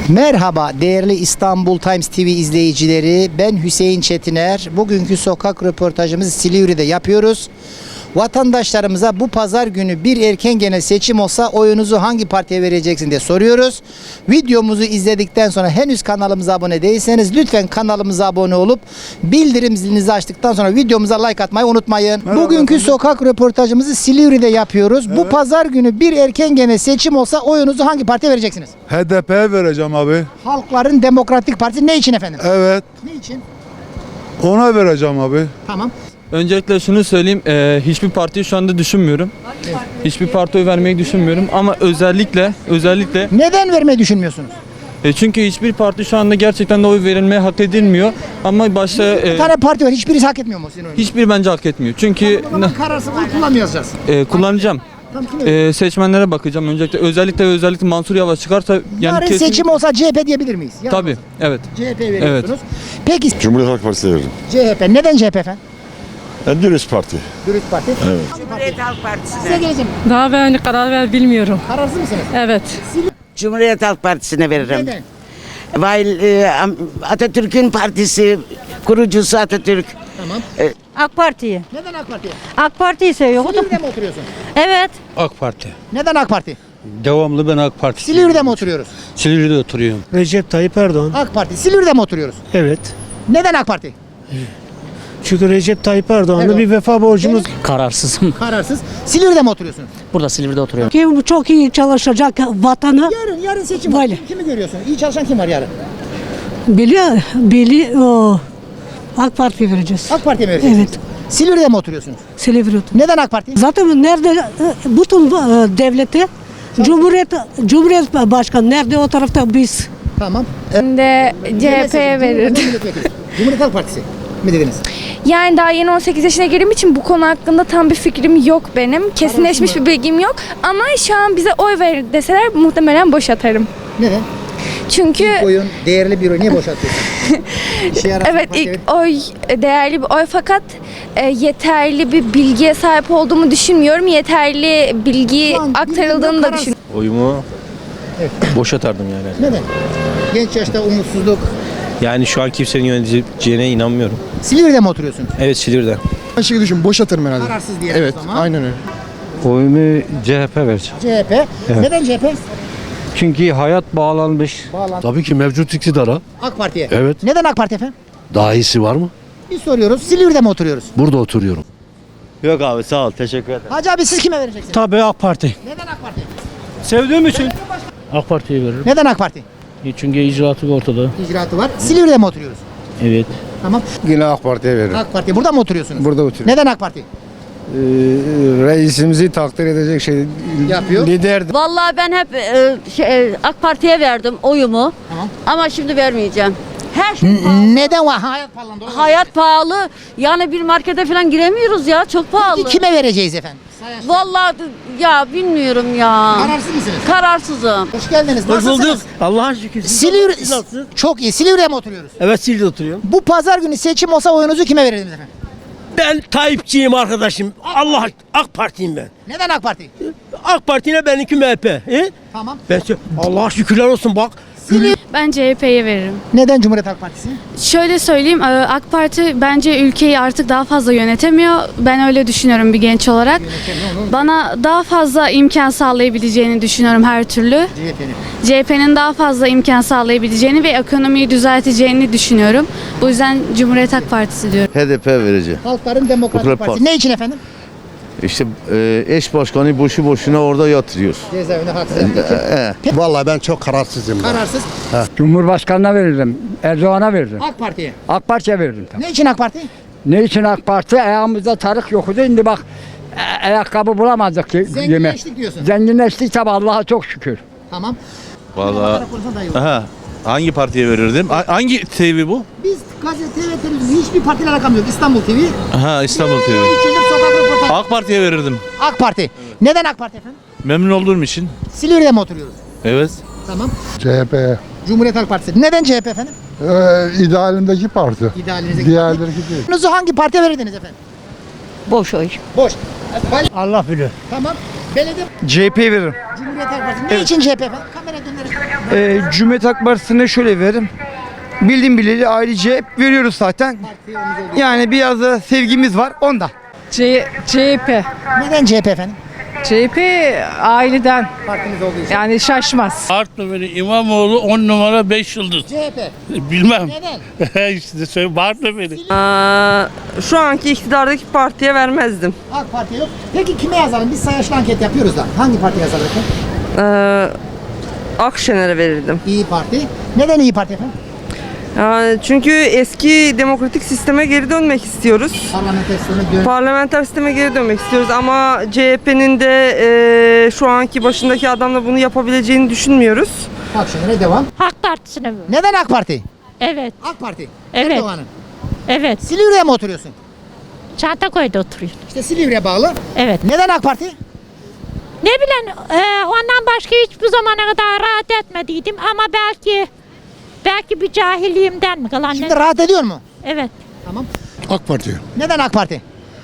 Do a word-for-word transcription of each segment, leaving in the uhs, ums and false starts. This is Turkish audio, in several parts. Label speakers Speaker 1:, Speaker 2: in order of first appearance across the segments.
Speaker 1: Merhaba değerli İstanbul Times T V izleyicileri, ben Hüseyin Çetiner. Bugünkü sokak röportajımızı Silivri'de yapıyoruz. Vatandaşlarımıza bu pazar günü bir erken genel seçim olsa oyunuzu hangi partiye vereceksin diye soruyoruz. Videomuzu izledikten sonra henüz kanalımıza abone değilseniz lütfen kanalımıza abone olup bildirim zilinizi açtıktan sonra videomuza like atmayı unutmayın.
Speaker 2: Merhaba
Speaker 1: Bugünkü
Speaker 2: efendim.
Speaker 1: sokak röportajımızı Silivri'de yapıyoruz. Bu
Speaker 2: Evet.
Speaker 1: pazar günü bir erken genel seçim olsa oyunuzu hangi partiye vereceksiniz?
Speaker 2: H D P'ye vereceğim abi.
Speaker 1: Halkların Demokratik Partisi ne için efendim?
Speaker 2: Evet.
Speaker 1: Ne için?
Speaker 2: Ona vereceğim abi.
Speaker 1: Tamam.
Speaker 3: Öncelikle şunu söyleyeyim, eee, hiçbir partiyi şu anda düşünmüyorum. Hiçbir partiye vermeyi düşünmüyorum ama özellikle özellikle
Speaker 1: Neden vermeyi düşünmüyorsunuz?
Speaker 3: e, çünkü hiçbir parti şu anda gerçekten de oy verilmeye hak edilmiyor. Ama başta
Speaker 1: Bir
Speaker 3: e,
Speaker 1: tane parti var, hiçbirisi hak etmiyor mu sizin oyunuzu?
Speaker 3: hiçbir bence hak etmiyor. Çünkü
Speaker 1: O zaman kararsız oy kullanmayacağız.
Speaker 3: e, kullanacağım.
Speaker 1: Tamam, kim verir?
Speaker 3: E, seçmenlere bakacağım öncelikle. Özellikle ve özellikle Mansur Yavaş çıkarsa yani
Speaker 1: Yarın
Speaker 3: kesin.
Speaker 1: seçim olsa C H P diyebilir miyiz? Yarın
Speaker 3: Tabii, evet.
Speaker 1: C H P veriyorsunuz. Peki
Speaker 4: Cumhuriyet Halk Partisi'ne veririm.
Speaker 1: C H P neden C H P efendim?
Speaker 4: En dürüst parti.
Speaker 1: Dürüst Parti.
Speaker 4: Evet.
Speaker 5: Cumhuriyet Halk Partisi'ne.
Speaker 1: Size geleceğim.
Speaker 6: Daha ben karar ver bilmiyorum.
Speaker 1: Kararsız mısınız?
Speaker 6: Evet.
Speaker 5: Cumhuriyet Halk Partisi'ne veririm.
Speaker 1: Neden?
Speaker 5: Weil e, Am- Atatürk'ün partisi, kurucusu Atatürk.
Speaker 1: Tamam.
Speaker 7: AK Parti'yi.
Speaker 1: Neden AK Parti?
Speaker 7: AK Parti'yi seviyordum.
Speaker 1: Silivri'de mi oturuyorsun?
Speaker 7: Evet.
Speaker 8: AK Parti.
Speaker 1: Neden AK Parti?
Speaker 8: Devamlı ben AK Parti.
Speaker 1: Silivri'de mi oturuyoruz?
Speaker 8: Silivri'de oturuyorum.
Speaker 9: Recep Tayyip Erdoğan.
Speaker 1: AK Parti. Silivri'de mi oturuyoruz?
Speaker 9: Evet.
Speaker 1: Neden AK Parti?
Speaker 9: Çünkü Recep Tayyip Erdoğan'la
Speaker 1: Evet.
Speaker 9: bir vefa borcumuz.
Speaker 6: Kararsızım.
Speaker 1: Kararsız. Silivri'de mi oturuyorsunuz?
Speaker 6: Burada Silivri'de oturuyorum.
Speaker 7: Kim çok iyi çalışacak vatanı
Speaker 1: Yarın, yarın seçim var.
Speaker 7: Böyle.
Speaker 1: Kimi görüyorsun? İyi çalışan kim var yarın?
Speaker 7: biliyor, bili o AK Parti'ye vereceğiz.
Speaker 1: AK Parti'ye mi vereceksiniz?
Speaker 7: Evet.
Speaker 1: Silivri'de mi oturuyorsunuz?
Speaker 7: Silivri.
Speaker 1: Neden AK Parti?
Speaker 7: Zaten nerede e, bütün e, devleti Cumhuriyet Cumhuriyet Başkanı nerede o tarafta biz.
Speaker 1: Tamam.
Speaker 10: Ben de C H P'ye verirdim.
Speaker 1: Cumhuriyet Halk Partisi mi dediniz?
Speaker 10: Yani daha yeni on sekiz yaşına girdiğim için bu konu hakkında tam bir fikrim yok benim. Kesinleşmiş bir bilgim yok. Ama şu an bize oy ver deseler muhtemelen boş atarım.
Speaker 1: Neden?
Speaker 10: Çünkü
Speaker 1: Oyun değerli bir oy. Niye boş atıyorsun? İşe yarar
Speaker 10: evet
Speaker 1: partiye
Speaker 10: ilk oy değerli bir oy fakat e, yeterli bir bilgiye sahip olduğumu düşünmüyorum. Yeterli bilgi
Speaker 1: Şu an
Speaker 10: aktarıldığını da
Speaker 1: bilginden
Speaker 10: düşünüyorum.
Speaker 8: Oyumu
Speaker 1: Evet.
Speaker 8: boş atardım yani.
Speaker 1: Neden? Genç yaşta umutsuzluk.
Speaker 8: Yani şu an kimsenin yöneteceğine inanmıyorum.
Speaker 1: Silivri'de mi oturuyorsunuz?
Speaker 8: Evet Silivri'de.
Speaker 11: Ben şey düşün, boş atarım herhalde.
Speaker 1: Kararsız diyelim
Speaker 11: Evet,
Speaker 1: o zaman.
Speaker 11: aynen öyle.
Speaker 8: Oyumu C H P vereceğim.
Speaker 1: C H P. Neden C H P?
Speaker 8: Çünkü hayat bağlanmış.
Speaker 1: Bağlan.
Speaker 12: Tabii ki mevcut iktidara.
Speaker 1: AK Parti'ye.
Speaker 12: Evet.
Speaker 1: Neden AK Parti efendim?
Speaker 12: Daha iyisi var mı?
Speaker 1: Biz soruyoruz. Silivri'de mi oturuyoruz?
Speaker 12: Burada oturuyorum.
Speaker 8: Yok abi sağ ol teşekkür ederim.
Speaker 1: Hacı abi siz kime vereceksiniz?
Speaker 9: Tabii AK Parti.
Speaker 1: Neden AK Parti?
Speaker 9: Sevdiğim için.
Speaker 8: AK Parti'ye veririm.
Speaker 1: Neden AK Parti?
Speaker 8: Çünkü icraatı ortada.
Speaker 1: İcraatı var. Silivri'de mi oturuyoruz?
Speaker 8: Evet.
Speaker 1: Tamam.
Speaker 11: Yine AK Parti'ye veririm.
Speaker 1: AK Parti. Burada mı oturuyorsunuz?
Speaker 11: Burada oturuyorum.
Speaker 1: Neden AK Parti?
Speaker 11: Ee, reisimizi takdir edecek şey
Speaker 1: Yapıyor.
Speaker 11: liderdi.
Speaker 7: Vallahi ben hep e, şey, AK Parti'ye verdim oyumu.
Speaker 1: Tamam.
Speaker 7: Ama şimdi vermeyeceğim. Her şey pahalı.
Speaker 1: Neden var? Hayat pahalandı.
Speaker 7: Hayat pahalı. Yani bir markete falan giremiyoruz ya. Çok pahalı.
Speaker 1: Kime vereceğiz efendim?
Speaker 7: Vallahi ya bilmiyorum ya.
Speaker 1: Kararsız mısınız?
Speaker 7: Kararsızım.
Speaker 1: Hoş geldiniz. Nasılsınız?
Speaker 9: Allah'a şükür.
Speaker 1: Silivri, çok iyi. Silivri'de mi oturuyoruz?
Speaker 9: Evet Silivri'de oturuyorum.
Speaker 1: Bu pazar günü seçim olsa oyunuzu kime verirdiniz efendim?
Speaker 9: Ben Tayyipçiyim arkadaşım. Allah AK Parti'yim ben.
Speaker 1: Neden AK Parti?
Speaker 9: AK Parti'ne benimki M H P. He?
Speaker 1: Tamam.
Speaker 9: Ben Allah'a şükürler olsun bak.
Speaker 10: Ben C H P'ye veririm.
Speaker 1: Neden Cumhuriyet Halk Partisi?
Speaker 10: Şöyle söyleyeyim, AK Parti bence ülkeyi artık daha fazla yönetemiyor. Ben öyle düşünüyorum bir genç olarak. Bana daha fazla imkan sağlayabileceğini düşünüyorum her türlü.
Speaker 1: C H P'nin.
Speaker 10: C H P'nin daha fazla imkan sağlayabileceğini ve ekonomiyi düzelteceğini düşünüyorum. Bu yüzden Cumhuriyet Halk Partisi diyorum.
Speaker 4: H D P vereceğim.
Speaker 1: Halkların Demokratik
Speaker 4: Demokrat
Speaker 1: Partisi.
Speaker 4: Parti.
Speaker 1: Ne için efendim?
Speaker 4: İşte e, eş başkanı boşu boşuna orada yatırıyor.
Speaker 1: Cezaevine haksız yapmak için.
Speaker 11: Vallahi ben çok kararsızım.
Speaker 1: Kararsız.
Speaker 8: Cumhurbaşkanına veririm. Erdoğan'a veririm.
Speaker 1: AK Parti'ye.
Speaker 8: AK Parti'ye veririm.
Speaker 1: Ne için AK Parti?
Speaker 8: Ne için AK Parti? Ayağımızda tarık yoktu. Şimdi bak e- ayakkabı bulamadık ki yeme.
Speaker 1: Zenginleştik diyorsun.
Speaker 8: Zenginleştik tabi Allah'a çok şükür.
Speaker 1: Tamam.
Speaker 12: Vallahi
Speaker 1: Daha iyi olur.
Speaker 12: aha, hangi partiye verirdim? Ha- Hangi T V bu?
Speaker 1: Biz gazete ve televizyon hiçbir partiyle alakam yok. İstanbul T V.
Speaker 12: Ha İstanbul T V.
Speaker 1: Üç yıldır sokak röportajı.
Speaker 12: AK Parti'ye verirdim.
Speaker 1: AK Parti. Neden AK Parti efendim?
Speaker 12: Memnun olduğum için.
Speaker 1: Silivri'de mi oturuyoruz?
Speaker 12: Evet.
Speaker 1: Tamam.
Speaker 11: C H P.
Speaker 1: Cumhuriyet Halk Partisi. Neden C H P efendim?
Speaker 11: Ee, idealimdeki parti.
Speaker 1: İdealinizdeki
Speaker 11: Diğerleri
Speaker 1: parti.
Speaker 11: değil.
Speaker 1: Oyunuzu hangi partiye verirdiniz efendim?
Speaker 7: Boş oy.
Speaker 1: Boş.
Speaker 9: Allah bilir.
Speaker 1: Tamam. Belediye
Speaker 8: C H P'ye veririm.
Speaker 1: Cumhuriyet Halk Partisi. Ne için C H P efendim? Kamera dönerek.
Speaker 8: Ee, Cumhuriyet Halk Partisi'ne şöyle veririm. Bildiğim bileli ailece veriyoruz zaten. Yani biraz da sevgimiz var onda.
Speaker 6: C CHP.
Speaker 1: Neden C H P efendim?
Speaker 6: C H P aileden
Speaker 1: Partimiz olduğu için.
Speaker 6: yani şaşmaz.
Speaker 9: Artvin'in İmamoğlu on numara beş yıldız.
Speaker 1: C H P.
Speaker 9: Bilmem.
Speaker 1: Neden?
Speaker 9: işte söyle Artvin'i.
Speaker 6: Şu anki iktidardaki partiye vermezdim.
Speaker 1: AK Parti yok. Peki kime yazalım? Biz sayaçlı anket yapıyoruz da. Hangi parti yazalım efendim?
Speaker 6: Ee, Akşener'e verirdim.
Speaker 1: İyi Parti. Neden İyi Parti efendim?
Speaker 6: Yani çünkü eski demokratik sisteme geri dönmek istiyoruz.
Speaker 1: Parlamenter sisteme dön.
Speaker 6: Parlamenter sisteme geri dönmek istiyoruz ama C H P'nin de e, şu anki başındaki adamla bunu yapabileceğini düşünmüyoruz.
Speaker 1: Akşener'e devam.
Speaker 7: Halk Partisi'ne mi?
Speaker 1: Neden AK Parti?
Speaker 7: Evet.
Speaker 1: AK Parti.
Speaker 7: Evet.
Speaker 1: Erdoğan'ın.
Speaker 7: Evet.
Speaker 1: Silivri'ye mi oturuyorsun?
Speaker 7: Çantakoy'da oturuyor.
Speaker 1: İşte Silivri'ye bağlı.
Speaker 7: Evet.
Speaker 1: Neden AK Parti?
Speaker 7: Ne bileyim e, ondan başka hiçbir zamana kadar rahat etmediydim ama belki belki bir cahilliğimden mi kalan
Speaker 1: Şimdi
Speaker 7: ne?
Speaker 1: rahat ediyor mu?
Speaker 7: Evet.
Speaker 1: Tamam.
Speaker 11: AK Parti.
Speaker 1: Neden AK Parti?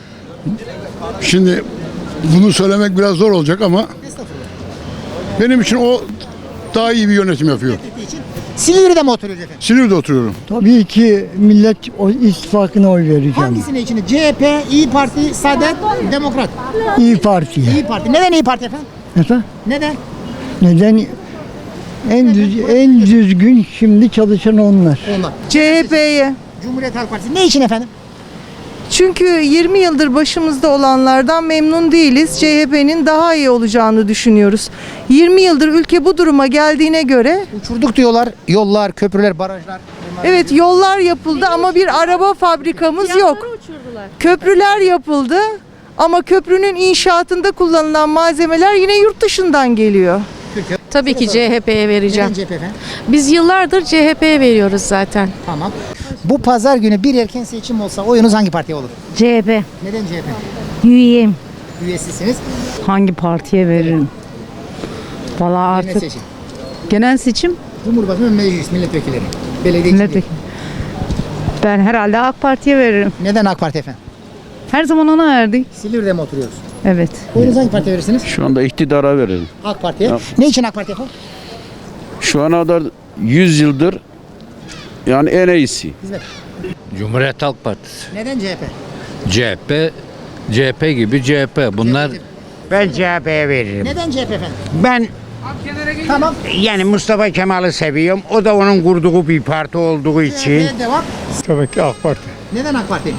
Speaker 11: Şimdi bunu söylemek biraz zor olacak ama benim için o daha iyi bir yönetim yapıyor.
Speaker 1: Silivri'de mi oturuyoruz efendim?
Speaker 11: Silivri'de oturuyorum.
Speaker 8: Tabii ki Millet İttifakı'na oy vereceğim.
Speaker 1: Hangisine içinde? C H P, İyi Parti, Saadet, Demokrat.
Speaker 8: İyi Parti'ye.
Speaker 1: İyi Parti. Neden İyi Parti efendim?
Speaker 8: Efendim?
Speaker 1: Neden?
Speaker 8: Neden? En, düz, en düzgün şimdi çalışan onlar.
Speaker 1: Onlar.
Speaker 6: C H P'ye.
Speaker 1: Cumhuriyet Halk Partisi. Ne için efendim?
Speaker 6: Çünkü yirmi yıldır başımızda olanlardan memnun değiliz. C H P'nin daha iyi olacağını düşünüyoruz. yirmi yıldır ülke bu duruma geldiğine göre
Speaker 1: Uçurduk diyorlar. Yollar, köprüler, barajlar.
Speaker 6: evet yollar yapıldı ama bir araba fabrikamız yok. Köprüler yapıldı ama köprünün inşaatında kullanılan malzemeler yine yurt dışından geliyor.
Speaker 10: Tabii ki C H P'ye vereceğim.
Speaker 1: Neden C H P efendim?
Speaker 10: Biz yıllardır C H P'ye veriyoruz zaten.
Speaker 1: Tamam. Bu pazar günü bir erken seçim olsa oyunuz hangi partiye olur?
Speaker 7: C H P.
Speaker 1: Neden C H P?
Speaker 7: Üyeyim.
Speaker 1: Üyesisiniz.
Speaker 6: Hangi partiye veririm? Valla
Speaker 1: Genel seçim.
Speaker 6: genel seçim
Speaker 1: Cumhurbaşkanı ve meclis milletvekilleri. Belediye milletvekili.
Speaker 6: ben herhalde AK Parti'ye veririm.
Speaker 1: Neden AK Parti efendim?
Speaker 6: Her zaman ona verdik.
Speaker 1: Silivri'de mi oturuyoruz?
Speaker 6: Evet.
Speaker 1: Oyunuz hangi partiye verirsiniz?
Speaker 12: Şu anda iktidara verelim.
Speaker 1: AK Parti'ye. Ne için AK Parti efendim?
Speaker 12: Şu ana kadar yüz yıldır yani en iyisi.
Speaker 1: Hizmet.
Speaker 11: Cumhuriyet Halk Partisi.
Speaker 1: Neden C H P?
Speaker 11: C H P, C H P gibi C H P. Bunlar
Speaker 8: Ben C H P'ye veririm.
Speaker 1: Neden C H P efendim?
Speaker 8: Ben
Speaker 1: Tamam.
Speaker 8: yani Mustafa Kemal'i seviyorum. O da onun kurduğu bir parti olduğu için.
Speaker 1: C H P'ye devam.
Speaker 2: Tabii ki AK Parti.
Speaker 1: Neden AK Parti?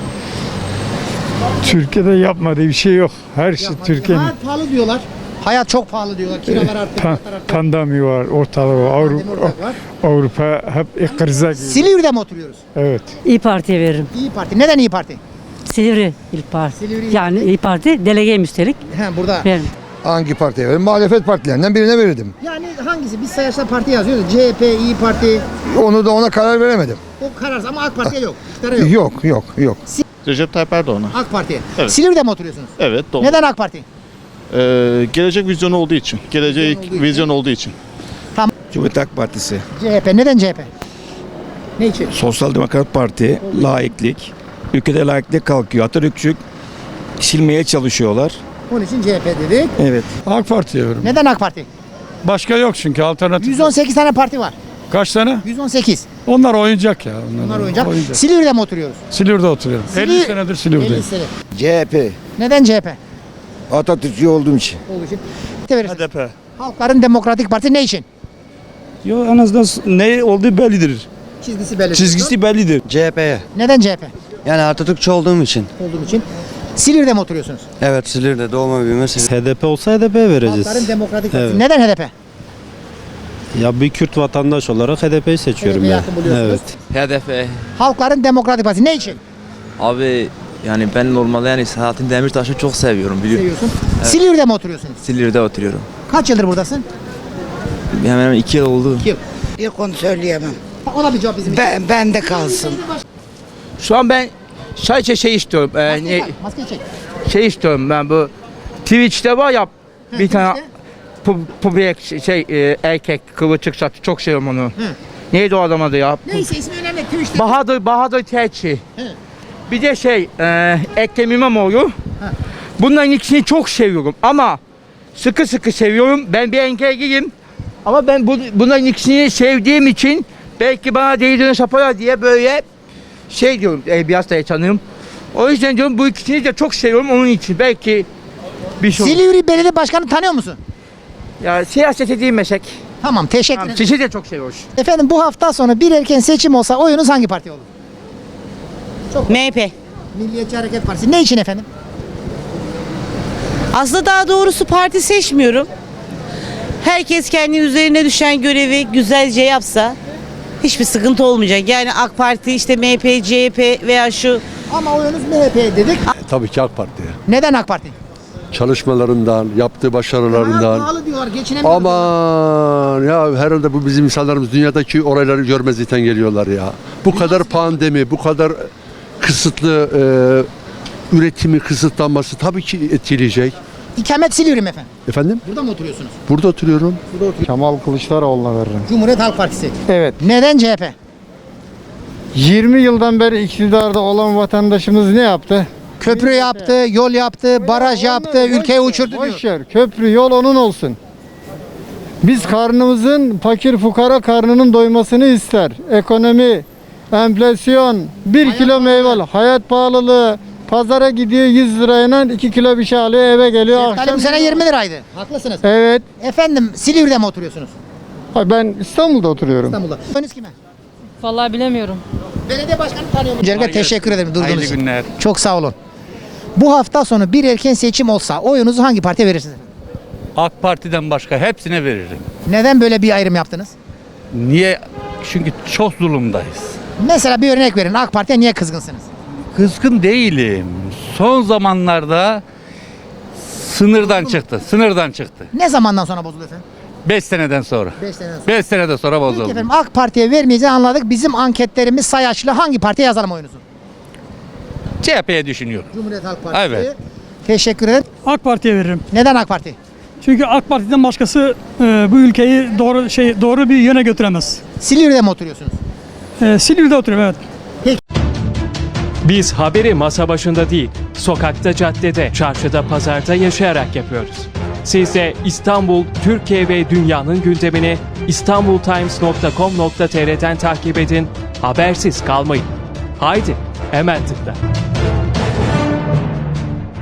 Speaker 2: Türkiye'de yapmadığı bir şey yok. Her şey
Speaker 1: Hayat pahalı diyorlar. Hayat çok pahalı diyorlar. Kiralar arttı. fiyatlar arttı.
Speaker 2: Pandemi var, ortalığı var.
Speaker 1: Pandemi ortak var.
Speaker 2: Avrupa hep krize girdi.
Speaker 1: Silivri'de mi oturuyoruz?
Speaker 2: Evet.
Speaker 7: İyi Parti'ye veririm.
Speaker 1: İyi Parti. Neden İyi Parti?
Speaker 7: Silivri İl Parti.
Speaker 1: Silivri
Speaker 7: Yani İyi Parti delegeyim üstelik.
Speaker 1: He, burada.
Speaker 7: Veririm.
Speaker 11: Hangi partiye veririm? Muhalefet partilerinden birine verirdim.
Speaker 1: Yani hangisi? Biz sayaçta parti yazıyoruz. C H P, İyi Parti.
Speaker 11: Onu da ona karar veremedim.
Speaker 1: O kararsız ama AK Parti'ye yok. İktidara yok.
Speaker 11: Yok, yok, yok.
Speaker 12: Recep Tayyip Erdoğan'a.
Speaker 1: AK Parti'ye.
Speaker 12: Evet.
Speaker 1: Silivri'de mi oturuyorsunuz?
Speaker 12: Evet doğru.
Speaker 1: Neden AK Parti?
Speaker 12: Ee, gelecek vizyonu olduğu için. Gelecek
Speaker 1: Vizyon olduğu için.
Speaker 12: vizyon olduğu için.
Speaker 11: Cumhuriyet Halk Partisi.
Speaker 1: C H P. Neden C H P? Ne için?
Speaker 11: Sosyal Demokrat Parti, laiklik. Ülkede laiklik kalkıyor. Atatürkçü silmeye çalışıyorlar.
Speaker 1: Onun için C H P dedik.
Speaker 11: Evet.
Speaker 2: AK Parti'ye veririm.
Speaker 1: Neden AK Parti?
Speaker 2: Başka yok çünkü alternatif.
Speaker 1: yüz on sekiz tane parti var.
Speaker 2: Kaç tane?
Speaker 1: yüz on sekiz.
Speaker 2: Onlar oyuncak ya.
Speaker 1: Bunlar oyuncak. Silivri'de mi oturuyoruz?
Speaker 2: Silivri'de oturuyorum.
Speaker 1: Silivri-
Speaker 2: elli senedir Silivri'deyim.
Speaker 1: elli sene.
Speaker 11: C H P.
Speaker 1: Neden C H P?
Speaker 11: Atatürkçü olduğum için.
Speaker 1: Olduğu için. Ne verirsiniz?
Speaker 12: H D P.
Speaker 1: Halkların Demokratik Parti ne için?
Speaker 12: Yo en azından ne olduğu bellidir.
Speaker 1: Çizgisi belli.
Speaker 12: Çizgisi bellidir.
Speaker 11: C H P'ye.
Speaker 1: Neden C H P?
Speaker 11: Yani Atatürkçü olduğum için.
Speaker 1: Olduğum için. Silivri'de mi oturuyorsunuz?
Speaker 11: Evet, Silivri'de doğma büyüme Silivri.
Speaker 12: H D P olsa H D P vereceğiz.
Speaker 1: Halkların Demokratik Partisi.
Speaker 12: Evet.
Speaker 1: Neden H D P?
Speaker 12: Ya bir Kürt vatandaş olarak H D P'yi seçiyorum
Speaker 1: H D P'yi
Speaker 12: ya.
Speaker 1: yakın buluyorsunuz.
Speaker 12: Evet.
Speaker 13: H D P.
Speaker 1: Halkların Demokratik Partisi ne için?
Speaker 13: Abi yani ben normalde yani Selahattin Demirtaş'ı çok seviyorum biliyor.
Speaker 1: Seviyorsun. Silivri'de mi oturuyorsunuz?
Speaker 13: Silivri'de oturuyorum.
Speaker 1: Kaç yıldır buradasın?
Speaker 13: Hemen hemen iki yıl oldu.
Speaker 1: İki yıl.
Speaker 5: Bir konu söyleyemem.
Speaker 1: O da bir cevap bizim için.
Speaker 5: Ben, ben de kalsın.
Speaker 8: Şu an ben sadece şey istiyorum. e,
Speaker 1: Maskeyi
Speaker 8: ne-
Speaker 1: tak, maskeyi çek.
Speaker 8: şey istiyorum ben bu Twitch'te var ya
Speaker 1: He,
Speaker 8: bir tane
Speaker 1: işte.
Speaker 8: pu, pu, bir şey e, erkek kıvırcık saçı çok seviyorum onu. Neydi o adam adı ya?
Speaker 1: Neyse ismi önemli. Twitch'te.
Speaker 8: Bahadır Bahadır Terçi.
Speaker 1: He.
Speaker 8: Bir de şey e, Ekrem İmamoğlu. Bunların ikisini çok seviyorum ama sıkı sıkı seviyorum. Ben bir engelliyim. Ama ben bu, bunların ikisini sevdiğim için belki bana değdiğini saparlar diye böyle şey diyorum. E, biraz da tanıyorum. O yüzden diyorum bu ikisini de çok seviyorum onun için. Belki bir şey olur.
Speaker 1: Silivri Belediye Başkanı tanıyor musun?
Speaker 8: Ya siyaset değil meslek.
Speaker 1: Tamam, teşekkür
Speaker 8: Tamam,
Speaker 1: ederim.
Speaker 8: sizi de çok seviyoruz.
Speaker 1: Efendim bu hafta sonu bir erken seçim olsa oyunuz hangi parti olur?
Speaker 6: M H P.
Speaker 1: Milliyetçi Hareket Partisi. Ne için efendim?
Speaker 6: Aslında daha doğrusu parti seçmiyorum. Herkes kendi üzerine düşen görevi güzelce yapsa hiçbir sıkıntı olmayacak. Yani AK Parti, işte M H P, C H P veya şu.
Speaker 1: Ama oyunuz M H P dedik.
Speaker 12: Tabii ki AK Parti.
Speaker 1: Neden AK Parti?
Speaker 12: Çalışmalarından, yaptığı başarılarından.
Speaker 1: Pahalı diyorlar, geçinemiyorlar.
Speaker 12: Aman ya herhalde bu bizim insanlarımız dünyadaki olayları görmezlikten geliyorlar ya. Bu kadar pandemi, bu kadar kısıtlı e, üretimi kısıtlanması tabii ki etkileyecek.
Speaker 1: İkamet Silivri mi efendim?
Speaker 12: Efendim?
Speaker 1: Burada mı oturuyorsunuz?
Speaker 12: Burada oturuyorum.
Speaker 2: Kemal Kılıçdaroğlu'na veririm.
Speaker 1: Cumhuriyet Halk Partisi.
Speaker 2: Evet.
Speaker 1: Neden C H P?
Speaker 2: yirmi yıldan beri iktidarda olan vatandaşımız ne yaptı?
Speaker 1: Köprü yaptı, yol yaptı, baraj yaptı, ülkeyi uçurdu diyor.
Speaker 2: Boş ver. Köprü, yol onun olsun. Biz karnımızın, fakir fukara karnının doymasını ister. Ekonomi, enflasyon, bir kilo meyve, hayat pahalılığı, pazara gidiyor yüz lirayla iki kilo bir şey alıyor eve geliyor.
Speaker 1: Şeftali
Speaker 2: Akşam
Speaker 1: bu sene yirmi liraydı. Haklısınız.
Speaker 2: Evet.
Speaker 1: Efendim Silivri'de mi oturuyorsunuz?
Speaker 2: Ha, ben İstanbul'da oturuyorum.
Speaker 1: İstanbul'da. Oyunuz kime?
Speaker 10: Vallahi bilemiyorum.
Speaker 1: Belediye başkanı tanıyor musunuz? Öncelikle teşekkür ederim durduğunuz için.
Speaker 2: günler.
Speaker 1: Çok sağ olun. Bu hafta sonu bir erken seçim olsa oyunuzu hangi partiye verirsiniz?
Speaker 14: AK Parti'den başka hepsine veririm.
Speaker 1: Neden böyle bir ayrım yaptınız?
Speaker 14: Niye? Çünkü çok zulümdayız.
Speaker 1: Mesela bir örnek verin. AK Parti'ye niye kızgınsınız?
Speaker 14: Kızgın değilim. Son zamanlarda sınırdan çıktı. Sınırdan çıktı.
Speaker 1: Ne zamandan sonra bozuldu efendim?
Speaker 14: beş seneden sonra.
Speaker 1: beş seneden sonra.
Speaker 14: beş seneden sonra
Speaker 1: Peki
Speaker 14: bozuldu.
Speaker 1: efendim AK Parti'ye vermeyeceğini anladık. Bizim anketlerimiz sayaçlı. Hangi partiye yazalım oyunuzu?
Speaker 14: C H P'ye düşünüyorum.
Speaker 1: Cumhuriyet Halk Partisi.
Speaker 14: Evet.
Speaker 1: Teşekkür ederim.
Speaker 2: AK Parti'ye veririm.
Speaker 1: Neden AK Parti?
Speaker 2: Çünkü AK Parti'den başkası e, bu ülkeyi doğru şey doğru bir yöne götüremez.
Speaker 1: Silivri'de mi oturuyorsunuz?
Speaker 2: E, Silivri'de oturuyorum evet.
Speaker 15: Biz haberi masa başında değil, sokakta, caddede, çarşıda, pazarda yaşayarak yapıyoruz. Siz de İstanbul, Türkiye ve dünyanın gündemini istanbultimes nokta com nokta tr'den takip edin, habersiz kalmayın. Haydi, hemen tıkla.